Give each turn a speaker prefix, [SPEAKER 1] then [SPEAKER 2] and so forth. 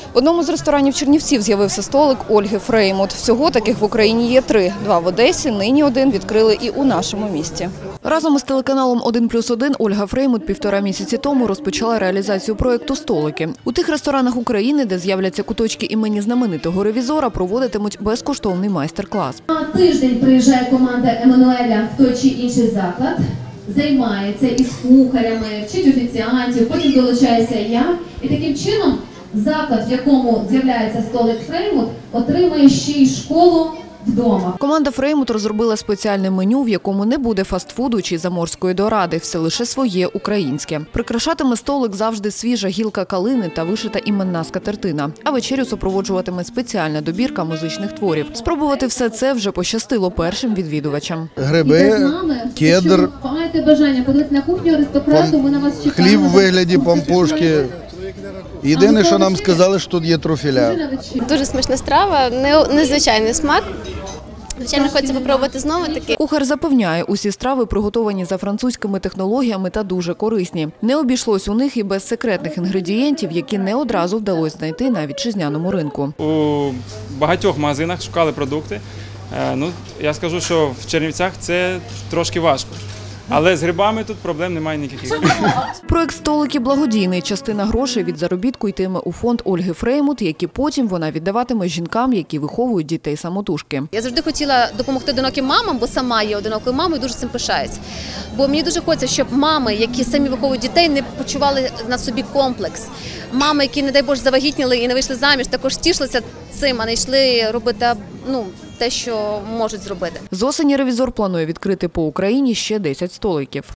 [SPEAKER 1] В одному з ресторанів Чернівців з'явився столик Ольги Фреймут. Всього таких в Україні є 3. 2 в Одесі, нині один відкрили і у нашому місті. Разом із телеканалом «1+1» Ольга Фреймут 1,5 місяці тому розпочала реалізацію проєкту «Столики». У тих ресторанах України, де з'являться куточки імені знаменитого ревізора, проводитимуть безкоштовний майстер-клас.
[SPEAKER 2] На тиждень приїжджає команда Еммануеля в той чи інший заклад, займається із кухарями, вчить офіціантів, потім долучаюся я. І таким чином заклад, в якому з'являється столик Фреймут, отримує ще й школу вдома.
[SPEAKER 1] Команда Фреймут розробила спеціальне меню, в якому не буде фастфуду чи заморської доради, все лише своє українське. Прикрашатиме столик завжди свіжа гілка калини та вишита іменна скатертина. А вечерю супроводжуватиме спеціальна добірка музичних творів. Спробувати все це вже пощастило першим відвідувачам.
[SPEAKER 3] Гриби, кедр,
[SPEAKER 2] маєте бажання подивитися на кухню аристократу, ми на вас чекаємо.
[SPEAKER 3] хліб у вигляді пампушки. Єдине, що нам сказали, що тут є трофіля.
[SPEAKER 4] Дуже смачна страва, незвичайний смак. Звичайно, хочеться спробувати знову таки.
[SPEAKER 1] Кухар запевняє, усі страви приготовані за французькими технологіями та дуже корисні. Не обійшлось у них і без секретних інгредієнтів, які не одразу вдалося знайти на вітчизняному ринку.
[SPEAKER 5] У багатьох магазинах шукали продукти. Я скажу, що в Чернівцях це трошки важко. Але з грибами тут проблем немає ніяких.
[SPEAKER 1] Проєкт «Столики» благодійний. Частина грошей від заробітку йтиме у фонд Ольги Фреймут, які потім вона віддаватиме жінкам, які виховують дітей-самотужки.
[SPEAKER 6] Я завжди хотіла допомогти одиноким мамам, бо сама є одинокою мамою і дуже цим пишаюсь. Бо мені дуже хочеться, щоб мами, які самі виховують дітей, не почували на собі комплекс. Мами, які, не дай Боже, завагітніли і не вийшли заміж, також тішилися цим, а не йшли робити те, що можуть зробити.
[SPEAKER 1] З осені ревізор планує відкрити по Україні ще 10 столиків.